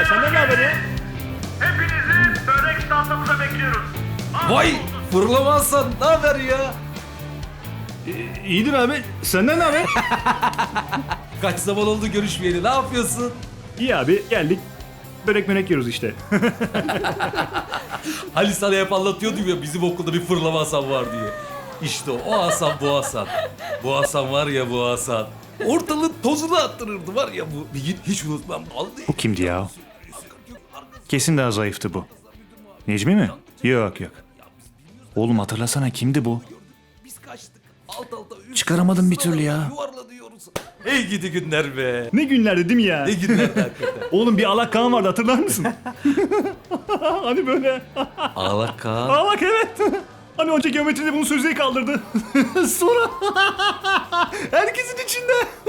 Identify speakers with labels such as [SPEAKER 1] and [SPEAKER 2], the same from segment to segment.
[SPEAKER 1] senden ne haber ya?
[SPEAKER 2] Hepinizi börek standımıza bekliyoruz.
[SPEAKER 3] Vay fırlamazsan ne haber ya?
[SPEAKER 1] İyidir abi. Senden ne haber?
[SPEAKER 3] Kaç zaman oldu görüşmeyeli, ne yapıyorsun?
[SPEAKER 1] İyi abi, geldik. Börek yiyoruz işte.
[SPEAKER 3] Hani sana hep anlatıyordum ya bizim okulda bir fırlama Hasan var diye. İşte o Hasan bu Hasan. Bu Hasan var ya bu Hasan. Ortalığın tozunu attırırdı var ya bu. Bir gün hiç unutmam.
[SPEAKER 1] Bu kimdi ya? Kesin daha zayıftı bu. Necmi mi? Yok. Oğlum hatırlasana, kimdi bu?
[SPEAKER 3] Biz kaçtık. Alt alta
[SPEAKER 1] Çıkaramadım bir türlü ya.
[SPEAKER 3] Yuvarlanıyoruz. Hey gidi günler be.
[SPEAKER 1] Ne günlerdi değil mi ya?
[SPEAKER 3] Ne günlerdi hakikaten.
[SPEAKER 1] Oğlum bir Alak Kaan vardı, hatırlar mısın? Hani böyle.
[SPEAKER 3] Ağlak Kaan.
[SPEAKER 1] Alak, evet. Hani önce geometride bunu sözlüğe kaldırdı. Sonra herkesin içinde.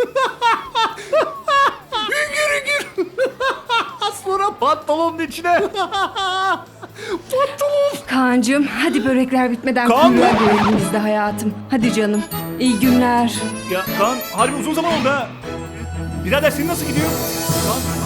[SPEAKER 1] Hüngür. Sonra pantolonun içine. Pantolon.
[SPEAKER 4] Kaan'cığım hadi börekler bitmeden
[SPEAKER 1] Kaan mı?
[SPEAKER 4] kumrular görelim biz de hayatım. Hadi canım. İyi günler.
[SPEAKER 1] Ya Kaan, harbi uzun zaman oldu ha. Birader senin nasıl gidiyor? Kaan,